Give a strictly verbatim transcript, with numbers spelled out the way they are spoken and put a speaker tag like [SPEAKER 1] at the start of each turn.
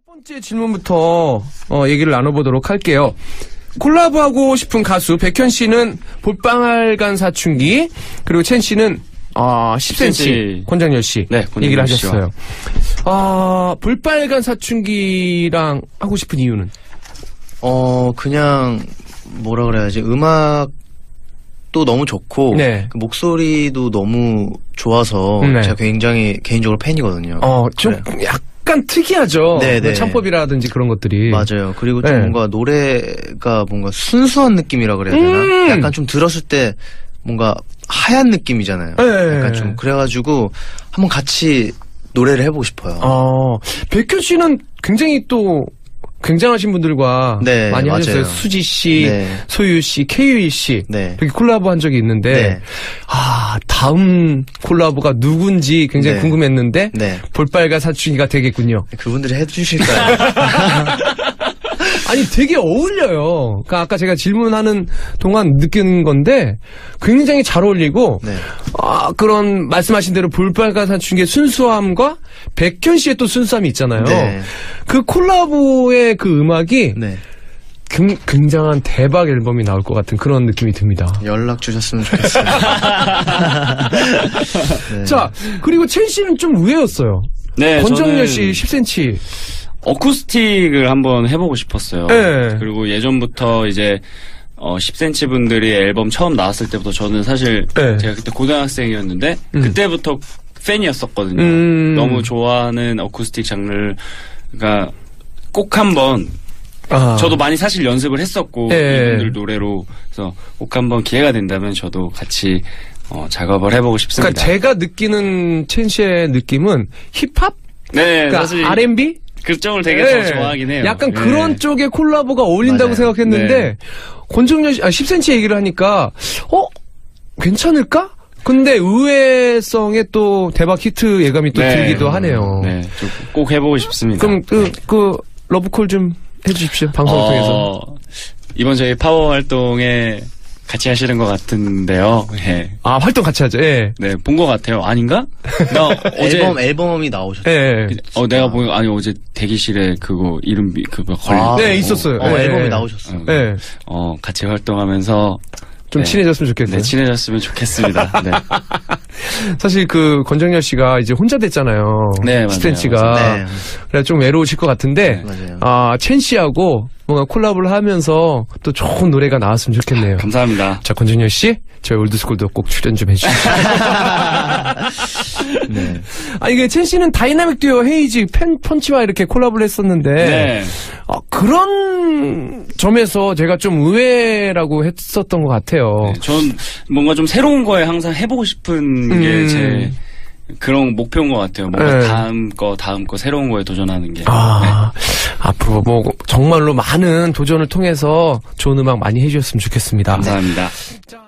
[SPEAKER 1] 번째 질문부터 어, 얘기를 나눠보도록 할게요. 콜라보하고 싶은 가수 백현 씨는 볼빨간 사춘기, 그리고 첸 씨는 어, 십 센티미터 권장열 씨
[SPEAKER 2] 네,
[SPEAKER 1] 얘기를 하셨어요. 아, 볼빨간 사춘기랑 하고 싶은 이유는?
[SPEAKER 3] 어 그냥 뭐라 그래야지, 음악도 너무 좋고
[SPEAKER 1] 네.
[SPEAKER 3] 그 목소리도 너무 좋아서
[SPEAKER 1] 네.
[SPEAKER 3] 제가 굉장히 개인적으로 팬이거든요.
[SPEAKER 1] 어, 좀
[SPEAKER 3] 그래.
[SPEAKER 1] 약간 특이하죠.
[SPEAKER 3] 네네.
[SPEAKER 1] 창법이라든지 그런 것들이.
[SPEAKER 3] 맞아요. 그리고 좀
[SPEAKER 1] 네.
[SPEAKER 3] 뭔가 노래가 뭔가 순수한 느낌이라 그래야 되나?
[SPEAKER 1] 음~
[SPEAKER 3] 약간 좀 들었을 때 뭔가 하얀 느낌이잖아요.
[SPEAKER 1] 네.
[SPEAKER 3] 약간 좀 그래가지고 한번 같이 노래를 해보고 싶어요.
[SPEAKER 1] 어, 백현 씨는 굉장히 또 굉장하신 분들과
[SPEAKER 3] 네,
[SPEAKER 1] 많이
[SPEAKER 3] 맞아요.
[SPEAKER 1] 하셨어요. 수지 씨,
[SPEAKER 3] 네.
[SPEAKER 1] 소유 씨, 케이유이 씨
[SPEAKER 3] 네.
[SPEAKER 1] 이렇게 콜라보 한 적이 있는데
[SPEAKER 3] 네.
[SPEAKER 1] 아, 다음 콜라보가 누군지 굉장히
[SPEAKER 3] 네.
[SPEAKER 1] 궁금했는데
[SPEAKER 3] 네.
[SPEAKER 1] 볼빨간 사춘기가 되겠군요.
[SPEAKER 3] 그분들이 해주실까요?
[SPEAKER 1] 아니, 되게 어울려요. 그러니까 아까 제가 질문하는 동안 느낀 건데 굉장히 잘 어울리고
[SPEAKER 3] 네.
[SPEAKER 1] 아, 그런 말씀하신 대로 볼빨간 사춘기의 순수함과 백현 씨의 또 순수함이 있잖아요.
[SPEAKER 3] 네.
[SPEAKER 1] 그 콜라보의 그 음악이
[SPEAKER 3] 네.
[SPEAKER 1] 굉- 굉장한 대박 앨범이 나올 것 같은 그런 느낌이 듭니다.
[SPEAKER 3] 연락 주셨으면 좋겠어요. 네.
[SPEAKER 1] 자, 그리고 첸 씨는 좀 의외였어요.
[SPEAKER 2] 네,
[SPEAKER 1] 권정열
[SPEAKER 2] 저는
[SPEAKER 1] 씨 십 센티미터.
[SPEAKER 2] 어쿠스틱을 한번 해보고 싶었어요.
[SPEAKER 1] 네.
[SPEAKER 2] 그리고 예전부터 이제 어, 십 센티미터 분들이 앨범 처음 나왔을 때부터 저는 사실
[SPEAKER 1] 네.
[SPEAKER 2] 제가 그때 고등학생이었는데
[SPEAKER 1] 음.
[SPEAKER 2] 그때부터 팬이었었거든요.
[SPEAKER 1] 음.
[SPEAKER 2] 너무 좋아하는 어쿠스틱 장르가 꼭 한번
[SPEAKER 1] 아.
[SPEAKER 2] 저도 많이 사실 연습을 했었고
[SPEAKER 1] 네.
[SPEAKER 2] 이분들 노래로 그래서 꼭 한번 기회가 된다면 저도 같이 어, 작업을 해보고 싶습니다.
[SPEAKER 1] 그러니까 제가 느끼는 첸 씨의 느낌은 힙합?
[SPEAKER 2] 네,
[SPEAKER 1] 그러니까
[SPEAKER 2] 사실
[SPEAKER 1] 알앤비?
[SPEAKER 2] 그쪽을 되게
[SPEAKER 1] 네.
[SPEAKER 2] 더 좋아하긴 해요.
[SPEAKER 1] 약간
[SPEAKER 2] 네.
[SPEAKER 1] 그런 쪽의 콜라보가 어울린다고
[SPEAKER 3] 맞아요.
[SPEAKER 1] 생각했는데
[SPEAKER 2] 네.
[SPEAKER 1] 권정열 씨, 아, 십 센티미터 얘기를 하니까 어? 괜찮을까? 근데 의외성의 또 대박 히트 예감이 또
[SPEAKER 2] 네.
[SPEAKER 1] 들기도 하네요.
[SPEAKER 2] 네, 좀 꼭 해보고 싶습니다.
[SPEAKER 1] 그럼 그, 그 러브콜 좀 해주십시오. 방송을
[SPEAKER 2] 어,
[SPEAKER 1] 통해서.
[SPEAKER 2] 이번 저희 파워 활동에 같이 하시는 것 같은데요. 예.
[SPEAKER 1] 아, 활동 같이 하죠. 예.
[SPEAKER 2] 네, 본 것 같아요. 아닌가? 나 어제
[SPEAKER 3] 앨범 앨범이 나오셨어요.
[SPEAKER 1] 예. 예.
[SPEAKER 2] 어 내가 보니 아니 어제 대기실에 그거 이름 비- 그거 걸린
[SPEAKER 3] 아,
[SPEAKER 1] 네, 있었어요.
[SPEAKER 3] 어,
[SPEAKER 1] 예.
[SPEAKER 3] 앨범이 나오셨어요.
[SPEAKER 2] 어,
[SPEAKER 1] 예.
[SPEAKER 2] 어 같이 활동하면서
[SPEAKER 1] 좀
[SPEAKER 2] 네.
[SPEAKER 1] 친해졌으면 좋겠어요.
[SPEAKER 2] 네, 친해졌으면 좋겠습니다. 네.
[SPEAKER 1] 사실 그 권정열 씨가 이제 혼자 됐잖아요.
[SPEAKER 2] 네, 맞아요.
[SPEAKER 1] 스탠치가.
[SPEAKER 3] 네.
[SPEAKER 1] 그래 좀 외로우실 것 같은데,
[SPEAKER 3] 맞아요.
[SPEAKER 1] 아, 첸 씨하고 뭔가 콜라보를 하면서 또 좋은 노래가 나왔으면 좋겠네요.
[SPEAKER 2] 감사합니다.
[SPEAKER 1] 자, 권정열 씨, 저희 올드스쿨도 꼭 출연 좀 해주시죠.
[SPEAKER 3] 네.
[SPEAKER 1] 아, 이게 첸 씨는 다이나믹 듀오 헤이지 팬 펀치와 이렇게 콜라보를 했었는데,
[SPEAKER 2] 네.
[SPEAKER 1] 아, 그런 점에서 제가 좀 의외라고 했었던 것 같아요.
[SPEAKER 2] 네, 전 뭔가 좀 새로운 거에 항상 해보고 싶은
[SPEAKER 1] 음.
[SPEAKER 2] 게 제 그런 목표인 것 같아요. 뭔가
[SPEAKER 1] 네.
[SPEAKER 2] 다음 거, 다음 거 새로운 거에 도전하는 게.
[SPEAKER 1] 아, 앞으로 뭐 정말로 많은 도전을 통해서 좋은 음악 많이 해주셨으면 좋겠습니다.
[SPEAKER 2] 감사합니다.
[SPEAKER 1] 자.